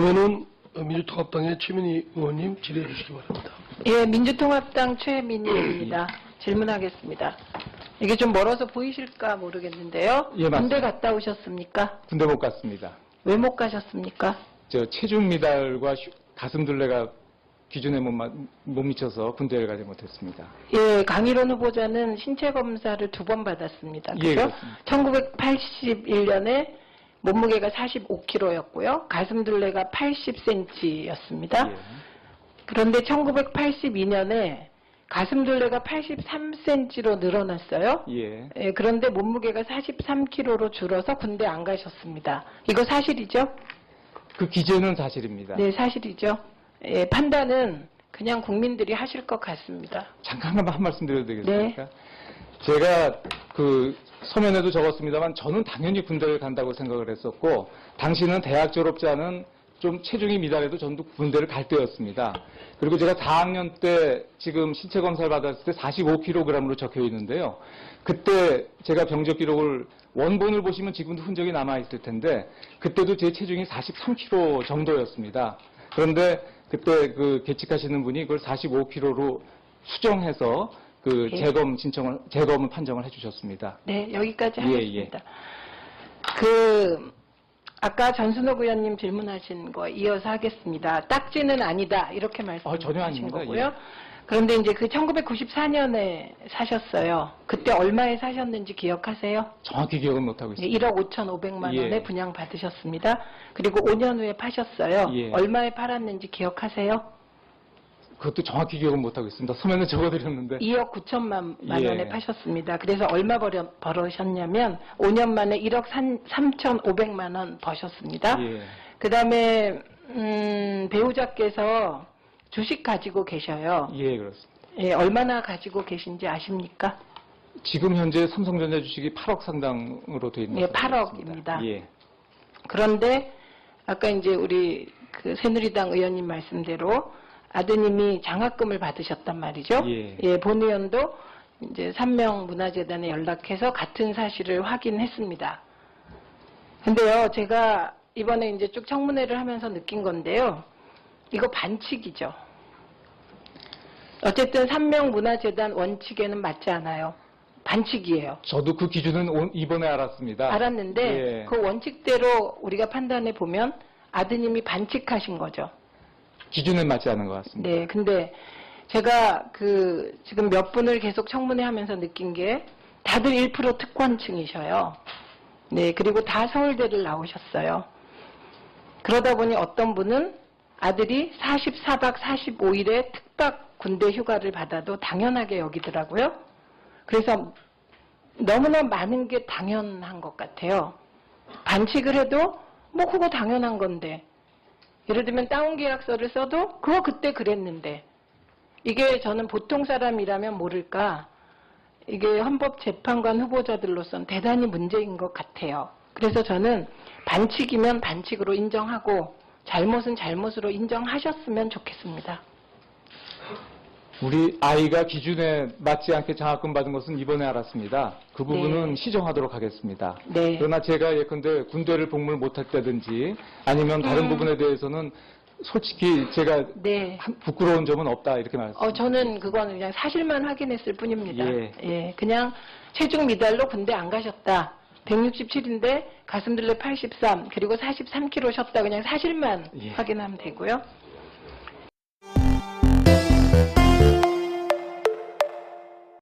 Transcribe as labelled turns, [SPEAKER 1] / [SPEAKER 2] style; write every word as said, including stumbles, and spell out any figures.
[SPEAKER 1] 다음에는 민주통합당의 최민희 의원님 질의해 주시기 바랍니다.
[SPEAKER 2] 예, 민주통합당 최민희입니다. 질문하겠습니다. 이게 좀 멀어서 보이실까 모르겠는데요.
[SPEAKER 3] 예, 맞습니다.
[SPEAKER 2] 군대 갔다 오셨습니까?
[SPEAKER 3] 군대 못 갔습니다.
[SPEAKER 2] 왜 못 가셨습니까?
[SPEAKER 3] 저 체중 미달과 휴- 가슴둘레가 기준에 못, 마- 못 미쳐서 군대를 가지 못했습니다.
[SPEAKER 2] 예, 강일원 후보자는 신체 검사를 두 번 받았습니다.
[SPEAKER 3] 예,
[SPEAKER 2] 그죠?
[SPEAKER 3] 그렇습니다.
[SPEAKER 2] 천구백팔십일 년에 몸무게가 사십오 킬로그램였고요. 가슴둘레가 팔십 센티미터였습니다.
[SPEAKER 3] 예.
[SPEAKER 2] 그런데 천구백팔십이 년에 가슴둘레가 팔십삼 센티미터로 늘어났어요.
[SPEAKER 3] 예.
[SPEAKER 2] 예, 그런데 몸무게가 사십삼 킬로그램로 줄어서 군대 안 가셨습니다. 이거 사실이죠?
[SPEAKER 3] 그 기재는 사실입니다.
[SPEAKER 2] 네, 사실이죠. 예, 판단은 그냥 국민들이 하실 것 같습니다.
[SPEAKER 3] 잠깐만 한 말씀 드려도 되겠습니까?
[SPEAKER 2] 네.
[SPEAKER 3] 제가 그 서면에도 적었습니다만 저는 당연히 군대를 간다고 생각을 했었고 당시는 대학 졸업자는 좀 체중이 미달해도 전도 군대를 갈 때였습니다. 그리고 제가 사 학년 때 지금 신체 검사를 받았을 때 사십오 킬로그램으로 적혀 있는데요. 그때 제가 병적 기록을 원본을 보시면 지금도 흔적이 남아 있을 텐데 그때도 제 체중이 사십삼 킬로그램 정도였습니다. 그런데 그때 그 계측하시는 분이 그걸 사십오 킬로그램로 수정해서 그
[SPEAKER 2] 예.
[SPEAKER 3] 재검 신청을 재검을 판정을 해주셨습니다.
[SPEAKER 2] 네, 여기까지
[SPEAKER 3] 예,
[SPEAKER 2] 하겠습니다. 그 아까 전순옥 의원님 질문하신 거 이어서 하겠습니다. 딱지는 아니다 이렇게 말씀하신
[SPEAKER 3] 아, 전혀 아닙니다.
[SPEAKER 2] 거고요.
[SPEAKER 3] 예.
[SPEAKER 2] 그런데 이제 그 천구백구십사 년에 사셨어요. 그때 얼마에 사셨는지 기억하세요?
[SPEAKER 3] 정확히 기억은 못하고
[SPEAKER 2] 네,
[SPEAKER 3] 있습니다.
[SPEAKER 2] 일억 오천오백만 원에
[SPEAKER 3] 예.
[SPEAKER 2] 분양 받으셨습니다. 그리고 오 년 후에 파셨어요.
[SPEAKER 3] 예.
[SPEAKER 2] 얼마에 팔았는지 기억하세요?
[SPEAKER 3] 그것도 정확히 기억은 못하고 있습니다. 서면에 적어드렸는데.
[SPEAKER 2] 이억 구천만
[SPEAKER 3] 예.
[SPEAKER 2] 원에 파셨습니다. 그래서 얼마 벌여, 벌으셨냐면 오 년 만에 일억 삼천오백만 원 버셨습니다.
[SPEAKER 3] 예.
[SPEAKER 2] 그 다음에 음, 배우자께서 주식 가지고 계셔요.
[SPEAKER 3] 예, 그렇습니다.
[SPEAKER 2] 예, 얼마나 가지고 계신지 아십니까?
[SPEAKER 3] 지금 현재 삼성전자 주식이 팔억 상당으로 되어 있는
[SPEAKER 2] 예,
[SPEAKER 3] 것으로
[SPEAKER 2] 팔억입니다.
[SPEAKER 3] 알고 있습니다. 예.
[SPEAKER 2] 그런데 아까 이제 우리 그 새누리당 의원님 말씀대로 아드님이 장학금을 받으셨단 말이죠.
[SPEAKER 3] 예.
[SPEAKER 2] 본 의원도 이제 삼명문화재단에 연락해서 같은 사실을 확인했습니다. 근데요, 제가 이번에 이제 쭉 청문회를 하면서 느낀 건데요. 이거 반칙이죠. 어쨌든 삼명문화재단 원칙에는 맞지 않아요. 반칙이에요.
[SPEAKER 3] 저도 그 기준은 오- 이번에 알았습니다.
[SPEAKER 2] 알았는데
[SPEAKER 3] 예.
[SPEAKER 2] 그 원칙대로 우리가 판단해 보면 아드님이 반칙하신 거죠.
[SPEAKER 3] 기준에 맞지 않은 것 같습니다.
[SPEAKER 2] 네, 근데 제가 그 지금 몇 분을 계속 청문회 하면서 느낀 게 다들 일 퍼센트 특권층이셔요. 네, 그리고 다 서울대를 나오셨어요. 그러다 보니 어떤 분은 아들이 사십사 박 사십오 일에 특박 군대 휴가를 받아도 당연하게 여기더라고요. 그래서 너무나 많은 게 당연한 것 같아요. 반칙을 해도 뭐 그거 당연한 건데. 예를 들면 다운 계약서를 써도 그거 그때 그랬는데. 이게 저는 보통 사람이라면 모를까. 이게 헌법재판관 후보자들로서는 대단히 문제인 것 같아요. 그래서 저는 반칙이면 반칙으로 인정하고 잘못은 잘못으로 인정하셨으면 좋겠습니다.
[SPEAKER 3] 우리 아이가 기준에 맞지 않게 장학금 받은 것은 이번에 알았습니다. 그 부분은
[SPEAKER 2] 네.
[SPEAKER 3] 시정하도록 하겠습니다.
[SPEAKER 2] 네.
[SPEAKER 3] 그러나 제가 예컨대 군대를 복무를 못했다든지 아니면 다른
[SPEAKER 2] 음.
[SPEAKER 3] 부분에 대해서는 솔직히 제가
[SPEAKER 2] 네.
[SPEAKER 3] 한- 부끄러운 점은 없다 이렇게 말씀.
[SPEAKER 2] 어, 저는 그거는 그냥 사실만 확인했을 뿐입니다.
[SPEAKER 3] 예.
[SPEAKER 2] 예, 그냥 체중 미달로 군대 안 가셨다. 백육십칠인데 가슴둘레 팔십삼, 그리고 사십삼 킬로그램 셨다. 그냥 사실만
[SPEAKER 3] 예.
[SPEAKER 2] 확인하면 되고요.